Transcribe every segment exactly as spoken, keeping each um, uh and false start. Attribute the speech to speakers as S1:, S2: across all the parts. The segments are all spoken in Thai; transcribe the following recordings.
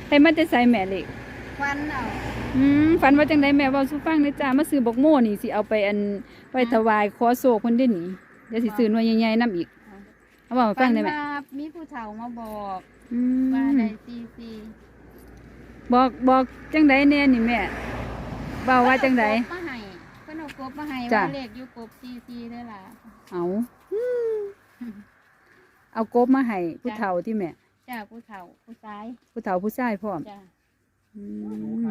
S1: ให้มันจะใส่แม่เล็ก
S2: ฟันเอา
S1: อืมฝันว่าจังไดแม่เว้าสู่ฟังเด้อจ้ามาซื้อบักโม่นี่สิเอาไปอันไปถวายขอโศกเพิ่นได้นี่เดี๋ยวสิซื้อหน่วยใหญ่ๆนํอีกเอาเว้าให้ฟังได้แม่
S2: ว่ามีผู้เฒ่ามาบอก
S1: อื
S2: ว่าม ได้ซีซี
S1: บอกบอกจังไดแน่นี่แม่เว้าว่าจังได
S2: เพิ่นเอากบมาให้เพิ่นเอากบมาให้
S1: จ้ะ
S2: ว่าเลขอยู่กบซีซีเด้อล่ะ
S1: เอาเอากบมาให้ผู้เฒ่าที่แม่
S2: จ้าผู้เฒ่าผู้ชาย
S1: ผู้เฒ่าผู้ชายพร้อม
S2: จ้า
S1: อืม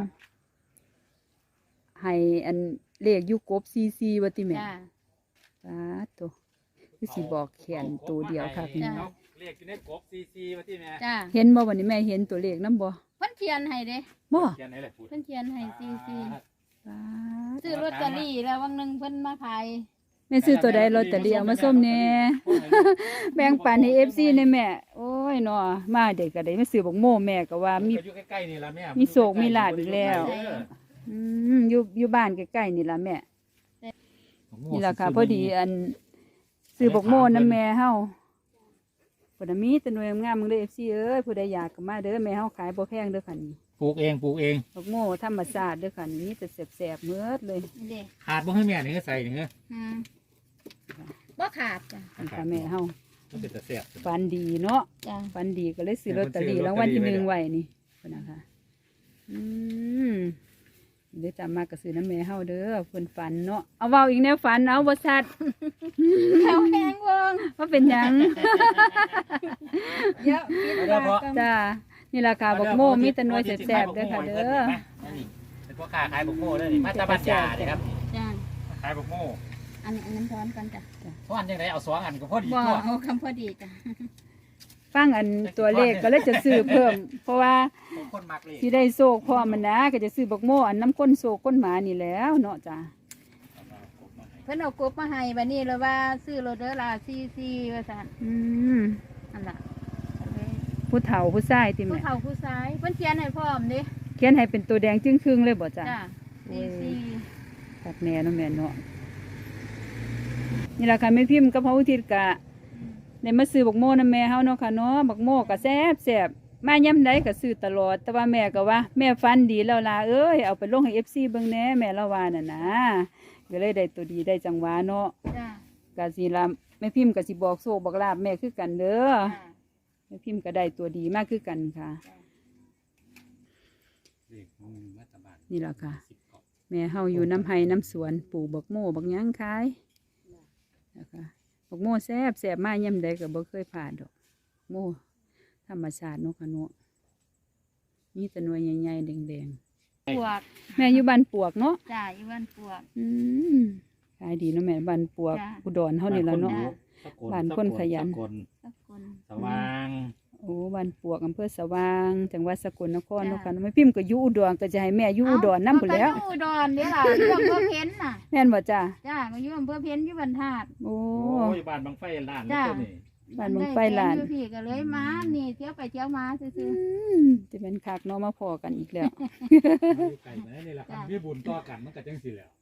S1: ให้อันเลขอยู่กบซีซีว่าติแม่
S2: จ้า
S1: สาธุคือสิบอกแขนตัวเดียวค่ะพี่น้อง
S3: เลขอยู่ในกบซีซีว่าที่แม่
S2: จ้า
S1: เห็นบ่วันนี้แม่เห็นตัวเลขนํบ่
S2: เพิ่นเขียนให้เด้
S1: บ่
S3: เขียนไหนแหละพูด
S2: เพิ่นเขียนให้ซีซี
S1: สาธุ
S2: ซื้อลอตเตอรี่แล้ววันหนึงเพิ่นมาขาย
S1: แม่ซื้อตัวใดลอตเตอรี่เอามาส้มแหน่แบ่งปันให้ เอฟ ซี ในแม่ โอ้ยเนาะมาเด็กก็ได้มาซื้อบักโม่แม่ก็ว่ามี
S3: อยู่ใกล้ๆนี่ละแม่
S1: มีโศกมีลาภอีกแล้ว อืมอยู่อยู่บ้านใกล้ๆนี่ล่ะแม่นี่ล่ะค่ะพอดีอันซื้อบักโม่นำแม่เฮาพุ่นน่ะมีแต่หน่วยงามๆมึงเด้อ เอฟ ซี เอ้ยผู้ใดอยากก็มาเด้อแม่เฮาขายบ่แพงเด้อค่ะนี่
S3: ปลูกเองปลูกเอง
S1: บักโม่ธรรมชาติเด้อค่ะนี่มีแต่แซ่บๆเมิดเลย
S2: นี่เด้
S3: ขาดบ่ให้แม่นี่ก็ใส่นี่เง
S2: อืมบ่ขาดจ้ะ
S1: นี่ค่ะแม่เฮา
S3: มันเป็นตะเสียบ
S1: ฝันดีเนาะ
S2: จ้ะ
S1: ฝันดีก็เลยซื้อลอตเตอรี่รางวัลที่หนึ่งไว้นี่เพิ่นนะคะอืมเดี๋ยวจำมากก็ซื้อน้ำแม่เฮาเด้อเพิ่นฝันเนาะเอาเว้าอีกแนวฝันเอาบ่ชัด
S2: แถวแหงเบิ่ง
S1: ว่าเป็นหยัง
S2: เยอะคิดว่าก็
S1: จ้านี่ราคาบักโม่มีแต่หน่วยแซ่บๆเด้อค่ะเด้อ
S3: นี่เป็นพวกค้าขายบักโม่เด้อนี่มาตาบัญญาเด้อครับ
S2: จ้ะ
S3: ขายบักโม่
S2: อันนี้อันนั้นพร้อมกันจ้ะ
S3: เพราะอันจังไดเอาสองอันก็พอดี
S2: บ่
S3: ตัว
S2: เอาคำพอดีจ้ะ
S1: ฟังอันตัวเลขก็เลยจะซื้อเพิ่ม เพราะว่า
S3: คนมักเลย
S1: สิได้โชคพร้อมมันนะก็จะซื้อบักโม่อันน้ำก้นโชคก้นหมานี่แหล้วเนาะจ้า
S2: เพิ่นเอากบมาให้บัดนี้เลยว่าซื้อโรเดอร์ลาซีซีว่าซั่น
S1: อืม
S2: นั่นล่ะ
S1: ผู้เฒ่าผู้ชายติ
S2: ผู้
S1: แม่
S2: เฒ่าผู้ชายเพิ่นเขียนให้พร้อมเด้
S1: เขียนให้เป็นตัวแดงจึ้งครึ่งเลยบ่จ้า
S2: จ้ะซีซี
S1: ตัดแม่เนาะแม่เนาะนี่แหละค่ะแม่พิมพ์กับพระอุทิศกะได้มาซื้อบักโม่นำแม่เฮาเนาะค่ะเนาะบักโม่ก็แซ่บแซ่บมาย่ำใดก็ซื้อตลอด แต่ว่าแม่ก็ว่า แม่ฟันดีแล้วล่ะเอ้ยเอาไปลงให้ เอฟ ซี เบิ่งแหน่แม่ละว่าน่ะนะก็เลยได้ตัวดีได้จังหวะเนาะ
S2: จ้ะ
S1: ก็สิล่ะแม่พิมพ์ก็สิบอกโชคบอกลาบแม่คือกันเด้อ
S2: จ้ะ
S1: แม่พิมพ์ก็ได้ตัวดีมากคือกันค่ะ นี่แหละค่ะ แม่เฮาอยู่น้ำไห้น้ำสวนปลูกบักโม่บักหยังขายนะคะบักโม่แซ่บแซ่บมาย่ำใดก็บ่เคยผ่านดอกโม่ธรรมชาติเนาะค่ะเนาะมีแต่หน่วยใหญ่ๆแดง
S2: ปวก
S1: ๆแม่อยู่บ้านปวกเนาะ
S2: จ้ะอยู่บ้านปวก
S1: อืมขายดีเนาะแม่บ้านปวก
S2: จ้ะ
S1: อุดรเฮานี่ละเนาะ บ้านคนขยัน
S3: สกล
S2: สักคน
S3: สว่าง
S1: โอ้บ้านปวกอำเภอสว่างจังหวัดสกลนคร
S2: จ้ะ
S1: เนาะค่ะแม่พิมพ์ก็อยู่อุดรก็จะให้แม่อยู่อุดรนำพุ่นแหล้ว
S2: เอาก็อยู่อุดรเด้ล่ะอยู่อำเภอเพ็ญน่ะ
S1: แม่นบ่จ้า
S2: จ้ะก็อยู่อำเภอเพ็ญอยู่บรรทัด
S1: โอ้
S3: โอ้ยบ้านบางไฟล้านแล้วตัวนี้
S1: บ้านเมืองไฟลาน
S2: ได้แฟอยู่พี่ก็เลยมานี่เที่ยวไปเที่ยวมาซื่อ
S1: อืมจะเป็นคักเนาะมาพอกันอีกแล้ว
S3: ไก่มานี่แหละครับมีบุญต่อกันมันก็จังสิแล้ว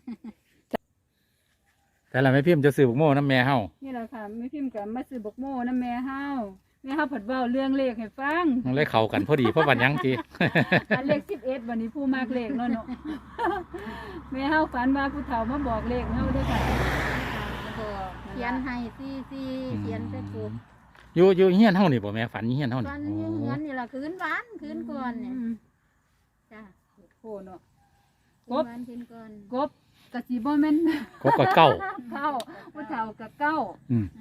S3: แต่ละแม่พิมพ์จะซื้อบักโม่น้ำแม่เฮา
S1: นี่แหละค่ะแม่พิมพ์กับมาซื้อบักโม่น้ำแม่เฮาแม่เฮาผัดเว้าเรื่องเลขให้ฟัง
S3: มันเลยเข้ากันพอดีเพราะวันยังที
S1: อันเลขสิบเอ็ดวันนี้ผู้มากเลขเนาะเนาะ แม่เฮาฝันว่าผู้เฒ่ามาบอกเลขเฮาเด้วยค่ะ
S2: ๆบอกเขียนให้ซีซีเขียนใส่กบ
S3: อยู่อยู่เฮียนเฮานี่บ่แม่ฝันเฮียนเฮานี่
S2: วัน
S3: โอ้
S2: นี้เงินนี่ล่ะคืนหวานคืนก่อนเนี่ย
S1: อืม
S2: จ้ะ
S1: โคเนาะ
S2: คื
S1: ก
S2: น
S1: บ
S2: หวานคืนก่อน
S1: กบกะสิบ่แม่น
S3: ครบกับเก้า
S1: เก้าผู้เฒ่ากับเก้า
S3: อืม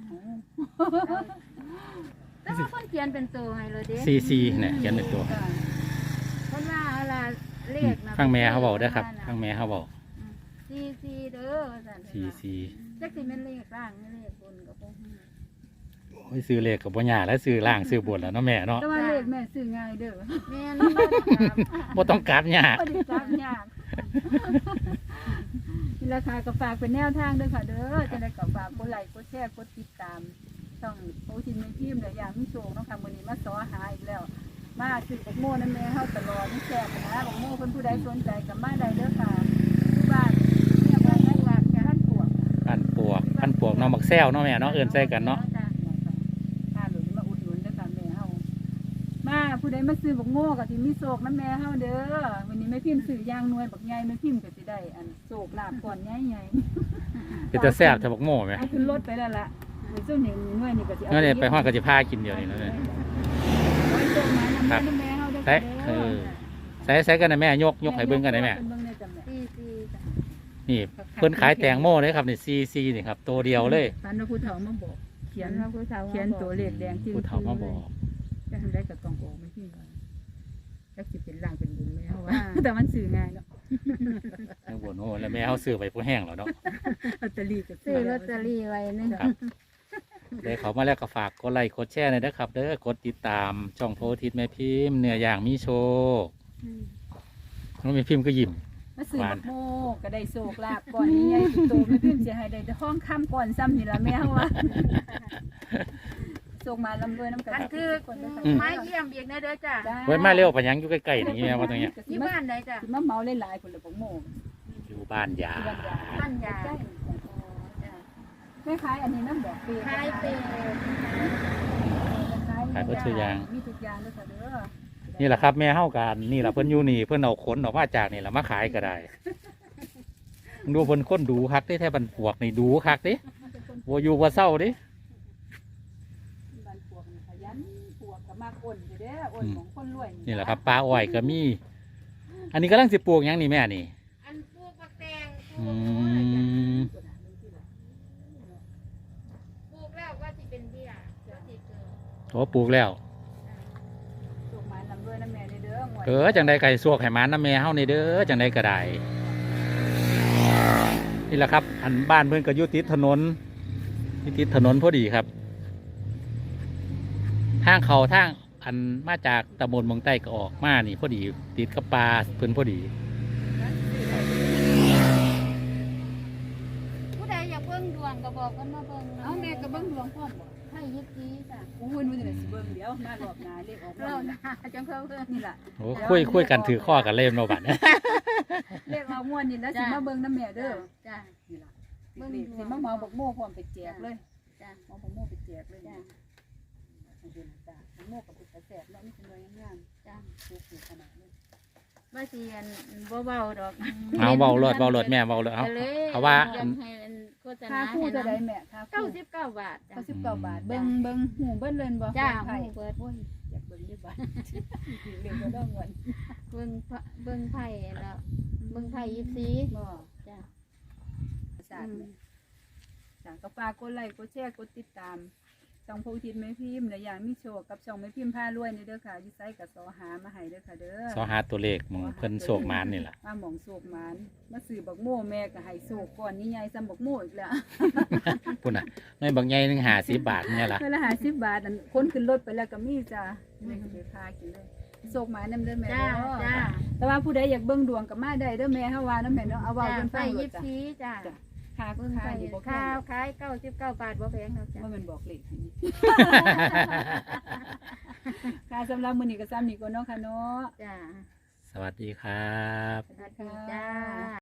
S2: แต่ว่าคนเขียนเป็นตัวให้เลยเด้
S3: ซีซีเนี่ยเขียนเป็นตัว
S1: จ้ะ
S2: เพราะว่าอะไรเลขนะ
S3: ข้างแม่เขาบอกได้อครับข้างแม่เขาบอก
S2: ซีซีเด้อสั่น
S3: ซีซี
S2: จักสิแม่นเลขล่างเลขบนก็บ่ฮู้
S3: โอ้ยซื้อเลขกับบ่ยากแล้วซื้อล่างซื้อบนแล้วเนาะแม่เนาะ
S1: แต่ว่าเลขแม่ซื้อง่ายเด้อ
S2: แม่นบ่ได้ครับ
S3: บ่ต้องกลับยาก
S1: บ่ได้จับยาก นี่ราคาก็ฝากเป็นแนวทางด้วยค่ะเด้อจะได้ก็ฝากกดไลค์กดแชร์กดติดตามช่องโอทินแม่พิมพ์และอย่างมิโชคเนาะค่ะมื้อนี้มาสอหาอีกแล้ว มาซื้อบักโม่นำแม่เฮาตลอดนี่แซ่บนะบักโม่เพิ่นผู้ใดสนใจก็มาได้เด้อค่ะที่บ้านเนี่ยบ้านนักลากแค่ท่านปวก
S3: พันปวกพันปวกเนาะมักแซวเนาะแม่เนาะเอิ้นใส่กันเนาะ
S1: ค่ะหรือมาอุดหนุนเด้อค่ะแม่เฮามาผู้ผู้ใดมาซื้อบักโม่ก็สิมีโศกน้ำแม่เฮาเด้อวันนี้แม่พิมพ์ซื้อย่างหน่วยบักใหญ่แม่พิมพ์ก็สิได้อันโศกลาบก่อนใหญ่
S3: เป็นตาแซ่บถ้าบักโม่ไหม
S1: ๆเอาขึ้นรถไปแล้วล่ะเดี๋ยวซุ่มนี่หน่วยนี่ก็สิเอา
S3: นั่นเนี่ยไปฮอดก็สิพากินเดียวนี่แล้วเนี่ย
S1: ไว้โศกมานำแม่เฮาเด้อ
S3: ใส่เออใส่ใส่กันนะแม่ยกยกให้เบิ่งกันได้แม่
S1: เบิ่งได้จ้ะแม่
S2: ซีซีจ้ะ
S3: นี่เพิ่นขายแตงโมเลยครับนี่ซีซีนี่ครับตัวเดียวเลย
S1: ฝันว่าผู้เฒ่ามาบอกเขียน
S2: ว่าผู้สาว
S1: เขียนตัวเลขแดงจริง
S3: ผู้เฒ่ามาบอก
S1: จะทำได้กับกล่องโอไม่พิมพ์ก่อนจักสิเป็นล่างเป็นบุญแม่เฮาว่าแต่มันซื้อง่ายเนาะ
S3: ทั้งบนโอ้แล้วแม่เอาซื้อไปผู้แห้งแล้วเนาะ
S1: ลอตเตอรี่ก็
S2: ซื้อลอตเตอรี่ไว้นึง
S3: ครับได้เขามาแล้วก็ฝากกดไลค์กดแชร์หน่อยนะครับเด้อกดติดตามช่องโพธิตแม่พิมพ์เนื้อย่างมีโชว์น้องแม่พิมพ์ก็ยิ้ม
S1: มาซื้อบักโมก็ได้โศกลาบก่อนนี้ใหญ่โตไม่พิมพ์เสียหายได้แต่ห้องค่ำก่อนซ้ำนี่ละแม่เฮาว่าโศกมาลำรวยน้ำกัน
S2: อันคือ
S1: คนเด้อค่ะ
S2: ไม้เยี่ยมอีกนะเด้อจ้ะ
S1: จ้
S3: เว้ยมาเร็วปะยังอยู่ใกล้ๆนี่แม่ว่าตรงเนี้ย
S2: ที่บ้านไหนจ้ะ
S1: สิมาเมาหลายๆคนละบักโม
S3: อยู่บ้านยา
S1: ที่บ้านยา
S2: บ้านยา
S1: ใกล้แม่ขายอันนี้น้ำดอกเปรี้ยว
S2: ขายเป็น
S3: ขายเพื่อซื้อยาง
S1: มีทุกอย่างด้วยค่ะเด้อ
S3: นี่แหละครับแม่เฮากันนี่แหละเพิ่นอยู่นี่เพิ่นเอาขนออกมาจากนี่แหละมาขายก็ได้ดูเพิ่นคนดูคักเด้แท้บันปวกนี่ดูคักเด้บ่อยู่บ่เศร้าเด้
S1: บ้านปวกนี่ขยันปวกก็มากอ่อนอยู่เด้ออ่อนของคนรวย
S3: นี่แหละครับปลาอ้อยก็มี อันนี้กำลังสิปลูกหยังนี่แม่นี่
S2: อันปลูกผักแตงป
S3: อื
S2: ลูกอะไรจ้ะ
S3: ม
S2: ปลูกแล้วก็สิเป็นเบี้ยก็สิเกิด
S3: โอ้ปลูกแล้ว
S1: ปลูกไม้ลำด้วยน้ำแม่เด้อหวย
S3: เออจังใดไก่สวกไห้หมันน้ำแม่เฮานี่เด้อจังใดก็ได้นี่แหละครับ อันบ้านเพิ่นก็อยู่ติดถนนอยู่ติดถนนพอดีครับ ทางเขาทางอันมาจากตำบลเมืองใต้ก็ออกมานี่พอดีติดกับปลาเพิ่นพอดี
S2: ผู้ใดอยากเบิ่งดวงก็บอกกันมาเบิ่ง
S1: เอาแม่ก็เบิ่งดวงพร้อมบ่
S2: ให้ยิบซีจ้ะ
S1: โอ้ยนู่นนี่สิเบิ่งเดี๋ยวมารอบหน้าเลขออก
S2: เรา
S1: แล้ว
S2: หน้าจังเพิ่มเพิ่ม
S1: นี่ล่ะ
S3: โอ้คุยคุยกันถือข้อกันเล่มโนบัด
S1: เลขเอาม่วนนี่แล้วสิมาเบิ่งน้ำแม่เด้อ
S2: จ้ะ
S1: นี่ล่ะเบิ่งสิมาเมาบักโม่พร้อมไปแจกเลย
S2: จ้ะ
S1: เมาบักโม่ไปแจกเลยจ้ะเห็นจ้ะบักโม่กับเป็นกระแสแล้วนี่เป็นหน่วยงาม
S2: จ้ะ
S1: ๆปลูกอยู่ขนาดนี้
S2: ว่าสิอันบ่เบาดอก
S3: เอาเบาเลิศเบาเลิศแม่เบาเลิศเอา
S2: ก็ลย
S3: เอาว่า
S2: ยังให้อันโฆษ
S1: ค่า
S2: ณา
S1: คู่
S2: ให้
S1: จะได้
S2: นำ
S1: แม่ค่า
S2: เก้า
S1: คู่
S2: สิบเก้าบาทจ้ะ
S1: เก้าสิบเก้าบาทเบิ่งเบิ่งหูเบิ่งเล่นบ่
S2: จ้า
S1: ไผ่
S2: หูเปิด
S1: โอ้ยอยากเบิ่งด้วยบ้านเรียนก็ต้องเงิน
S2: เบิ่งพระเบิ่งไผ่แล้วเบิ่งไผ่ยิบซี
S1: บ่
S2: จ้ะ
S1: ศาสตร์เนี่ยจ้ะก็ฝากกดไลค์กดแชร์กดติดตามช่องโพธิตแม่พิมพ์และอย่างมีโชคกับช่องแม่พิมพ์พารวยนี่เด้อค่ะอยู่ไสกับสอหามาให้เด้อค่ะเด้อ
S3: สอหาตัวเลขหมึงเพิ่นโศกมานนี่แหละ
S1: มาหมองโศกหมานมาซื้อบักโม่แม่ก็ให้โศกก่อนนี่ใหญ่ซ้ำบักโม่อีกแล้ว
S3: พุ่นน่ะในบางใหญ่หนึงหาสิบบาทเนี่ยล่ะ
S1: เวลาหาสิบบาทนั่นคนขึ้นรถไปแล้วก็มีจ้ะไม่ก็ไปพากินเลยโศกหมานนำเด้อแม่
S2: จ้า
S1: เด้อ
S2: จ้า
S1: แต่ว่าผู้ใดอยากเบิ่งดวงก็มาได้เด้อแม่เฮาว่านํแม่เนาะเอาเว้า
S2: จ้า
S1: เพิ่นฟั
S2: ไผ่
S1: งโล
S2: ยิ
S1: ด
S2: บ
S1: จ้ะ
S2: ซีจ้า
S1: จ้ะค่า
S2: เบิ่ง
S1: ค่า
S2: ไผ่
S1: นี่บ่แพ
S2: ข้าง วขายเก้าสิบเก้าบาทบ่แพงหรอกจ้ะ
S1: ว่ามันบอกเลขนี่ ค่ะสำหรับมื้อนี้ก็ซ้ำนี้ก่อนเนาะค่ะเนาะ
S2: จ้า
S3: สวัสดีครับ
S2: สวัสดีจ้า